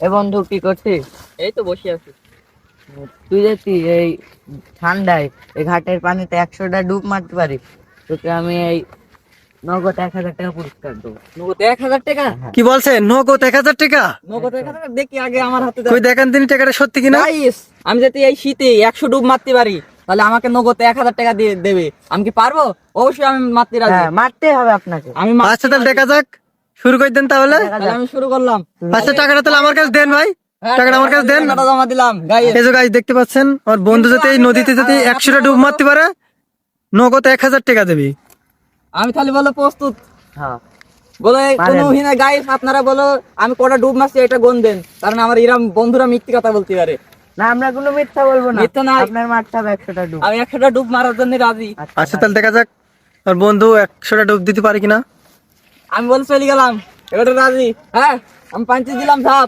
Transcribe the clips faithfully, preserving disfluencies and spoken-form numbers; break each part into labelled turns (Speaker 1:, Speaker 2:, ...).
Speaker 1: এ বন্ধু কি করছিস?
Speaker 2: এই তো বসে আছি।
Speaker 1: তুই যদি এই ঠান্ডায় এই ঘাটের পানিতে একশোটা ডুব মারতে পারিস, তোকে আমি এই নগদ এক হাজার টাকা পুরস্কার দেবো।
Speaker 2: নগদ এক হাজার টাকা?
Speaker 3: কি বলছেন? নগদ এক হাজার টাকা?
Speaker 2: নগদ এক হাজার টাকা দেখি আগে আমার হাতে
Speaker 3: কই দেখান তিনি টাকাটা সত্যি কিনা।
Speaker 2: গাইস, আমি যদি এই শীতে একশো ডুব মারতে পারি তাহলে আমাকে নগদ এক হাজার টাকা দিয়ে দেবে। আমি কি পারবো? অবশ্যই আমি মারতে রাজি।
Speaker 1: হ্যাঁ, মারতে হবে আপনাকে।
Speaker 2: আমি মারতে
Speaker 3: আচ্ছা তাহলে
Speaker 2: রাজি।
Speaker 3: দেখা যাক, শুরু করে দেন তাহলে।
Speaker 2: তাহলে আমি শুরু করলাম।
Speaker 3: আচ্ছা টাকাটা তাহলে আমার কাছে দেন ভাই,
Speaker 2: হ্যাঁ,
Speaker 3: টাকাটা আমার কাছে দেন।
Speaker 2: টাকাটা জমা দিলাম গাইস।
Speaker 3: এই যে গাইস দেখতে পাচ্ছেন, আমার বন্ধু যদি এই নদীতে যদি একশোটা ডুব মারতে পারে নগদ এক হাজার টাকা দেবে।
Speaker 2: আমি তাহলে বলো প্রস্তুত?
Speaker 1: হ্যাঁ,
Speaker 2: বলো
Speaker 1: পারেন।
Speaker 2: কোনো হিনা গাইস, আপনারা বলো আমি কটা ডুব মারছি এটা গুণ দেন, কারণ আমার এরম বন্ধুরা মিথ্যে কথা বলতে পারে।
Speaker 1: না আমরা কোনো মিথ্যা বলবো না।
Speaker 2: মিথ্যা না।
Speaker 1: আপনার মারতে হবে একশোটা ডুব।
Speaker 2: আমি একশোটা ডুব মারার জন্য রাজি।
Speaker 3: আচ্ছা তাহলে দেখা যাক আমার বন্ধু একশোটা ডুব দিতে পারে কিনা।
Speaker 2: আমি বল চলে গেলাম, এবারে রাজি। হ্যাঁ, আমি পাঞ্চি দিলাম ধাপ।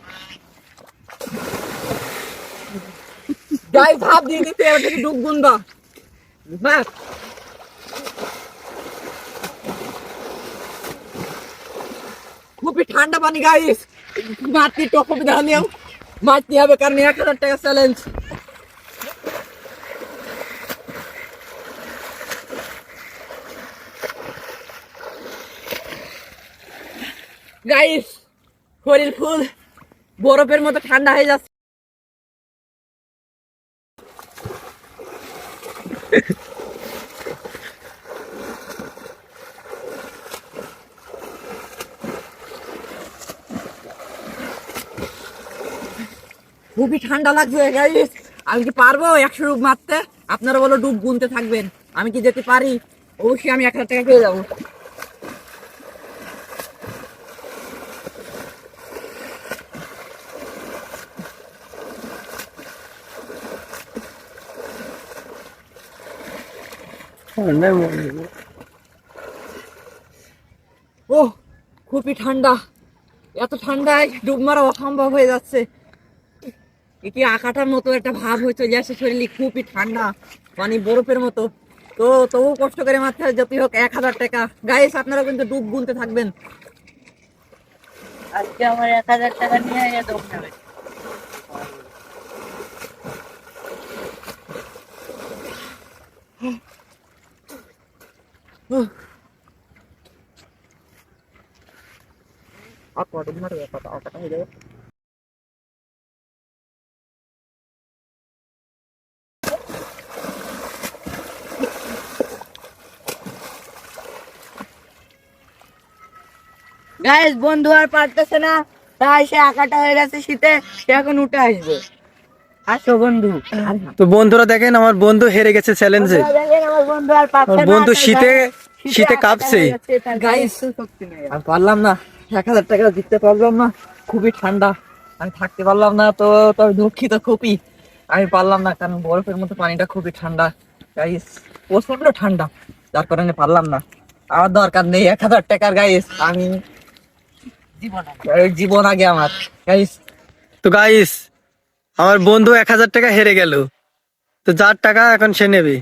Speaker 2: গাইস ধাপ দিয়ে দিতে এবার থেকে ডুব গুনবা। বাস, খুবই ঠান্ডা পানি গাইস, মারতে একটু অসুবিধা হলেও মারতে হবে, কারণ এক হাজার টাকা চ্যালেঞ্জ। গাইস শরীর ফুল বরফের মতো ঠান্ডা হয়ে যাচ্ছে। খুবই ঠান্ডা লাগছে গাইস। আমি কি পারবো একশো ডুব মারতে? আপনারা বলো ডুব গুনতে থাকবেন, আমি কি যেতে পারি? অবশ্যই আমি এক হাজার টাকা পেয়ে যাবো। ও খুবই ঠান্ডা, এত ঠান্ডায় ডুব মারা অসম্ভব হয়ে যাচ্ছে। এ কি আকাটার মতো একটা ভাব হয়ে চলে আসছে শরীরে, খুবই ঠান্ডা মানে বরফের মতো। তো তবু কষ্ট করে মারতে হয়, যতই হোক এক হাজার টাকা। গাইস আপনারা কিন্তু ডুব গুনতে থাকবেন।
Speaker 1: আজকে আমার এক হাজার টাকা নিয়ে এ ডুব নেবে।
Speaker 2: আর কত ডুব মারবে? কত আকাটা হয়ে যাবে।
Speaker 1: গাইস বন্ধু আর পারতেছে না, তাই সে আঁকাটা হয়ে গেছে শীতে, সে এখন উঠে আসবে। আসো বন্ধু।
Speaker 3: তো বন্ধুরা দেখেন আমার বন্ধু হেরে গেছে চ্যালেঞ্জে।
Speaker 1: বন্ধুরা দেখেন, আমার বন্ধু আর পারছে
Speaker 3: আমার
Speaker 1: না,
Speaker 3: বন্ধু
Speaker 1: তার
Speaker 3: শীতে
Speaker 1: গায়ে
Speaker 3: শীতে
Speaker 1: আঁকাটা
Speaker 3: কাঁপছে।
Speaker 1: হয়ে গেছে, তার গায়ে
Speaker 2: গাইস
Speaker 1: একটু শক্তি নেই।
Speaker 2: আমি পারলাম না, এক হাজার টাকা দিতে পারলাম না, খুবই ঠান্ডা, আমি থাকতে পারলাম না। তো তবে দুঃখিত খুবই, আমি পারলাম না, কারণ বরফের মতো পানিটা খুবই ঠান্ডা গাইস, প্রচন্ড ঠান্ডা, যার কারণে পারলাম না। আমার দরকার নেই এক হাজার টাকার গাইস, আমি
Speaker 1: জীবন
Speaker 2: এই জীবন আগে আমার গাইস।
Speaker 3: তো গাইস আমার বন্ধু এক হাজার টাকা হেরে গেল, তো যার টাকা এখন সে নেবে।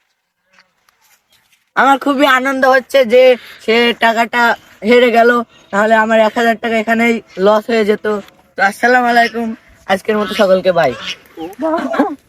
Speaker 1: আমার খুবই আনন্দ হচ্ছে যে সে টাকাটা হেরে গেল, তাহলে আমার এক হাজার টাকা এখানেই লস হয়ে যেত। তো আসসালামু আলাইকুম, আজকের মতো সকলকে বাই।